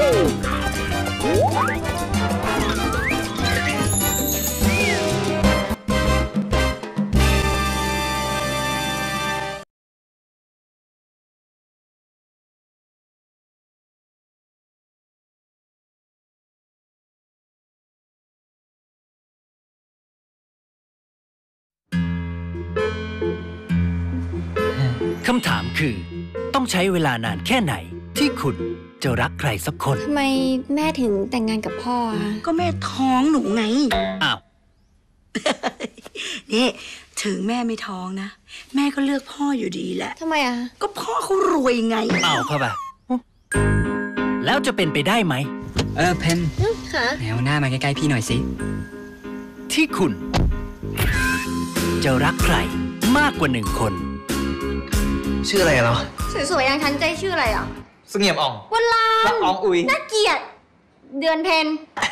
คำถามคือต้องใช้เวลานานแค่ไหนที่คุณจะรักใครสักคนทำไมแม่ถึงแต่งงานกับพ่อคะก็แม่ท้องหนูไงอ้าวนี่ถึงแม่ไม่ท้องนะแม่ก็เลือกพ่ออยู่ดีแหละทำไมอะก็พ่อเขารวยไงเอาเข้าไปแล้วจะเป็นไปได้ไหมเพนค่ะแนวหน้ามาใกล้ๆพี่หน่อยสิที่คุณจะรักใครมากกว่า1 คนชื่ออะไรเนาะสวยๆอย่างฉันใจชื่ออะไรอ่ะเสงี่ยมอ่องวันลานละอองอุยน่าเกลียดเดือนเพ็ญ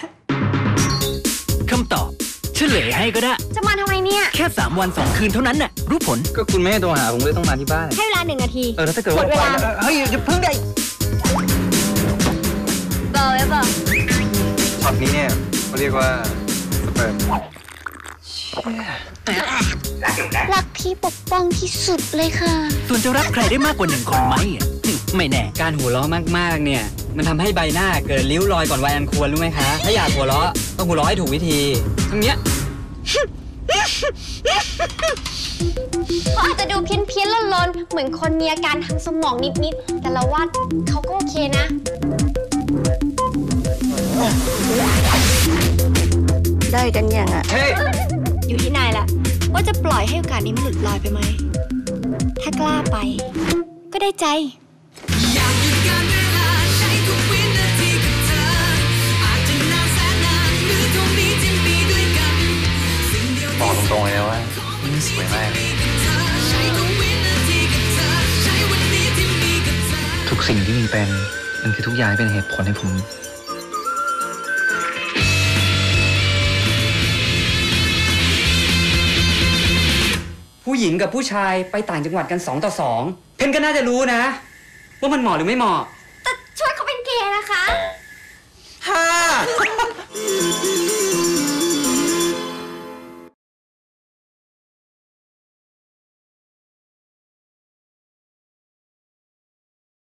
คำตอบเฉลยให้ก็ได้จะมาทำไมเนี่ยแค่3 วัน 2 คืนเท่านั้นน่ะรู้ผลก็คุณไม่ให้โทรหาผมเลยต้องมาที่บ้านให้เวลา1 นาทีแล้วถ้าเกิดว่าเฮ้ยอย่าเพิ่งได้เบอร์ไว้เบอร์ช็อตนี้เนี่ยเขาเรียกว่าสเปิร์มรักพี่ปกป้องที่สุดเลยค่ะส่วนจะรักใครได้มากกว่า1 คนไหมไม่แน่การหัวเราะมากๆเนี่ยมันทำให้ใบหน้าเกิดริ้วรอยก่อนวัยอันควรรู้ไหมคะถ้าอยากหัวเราะต้องหัวเราะให้ถูกวิธีทั้งเนี้ยเขาอาจจะดูเพี้ยนๆลนๆเหมือนคนมีอาการทางสมองนิดๆแต่เราว่าเขาก็โอเคนะได้กันยังอ่ะอยู่ที่นายแหละว่าจะปล่อยให้โอกาสนี้มันหลุดลอยไปไหมถ้ากล้าไปก็ได้ใจอยากหยุดการเวลาใช้ทุกวินาทีกับเธออาจจะนานแสนนานหรือเท่านี้ที่มีด้วยกันบอกตรงๆเลยนะว่าสวยมากทุกสิ่งที่มีเป็นมันคือทุกอย่างเป็นเหตุผลให้ผมผู้หญิงกับผู้ชายไปต่างจังหวัดกัน2 ต่อ 2เพนก็น่าจะรู้นะว่ามันเหมาะหรือไม่เหมาะแต่ชวนเขาเป็นเกย์นะคะ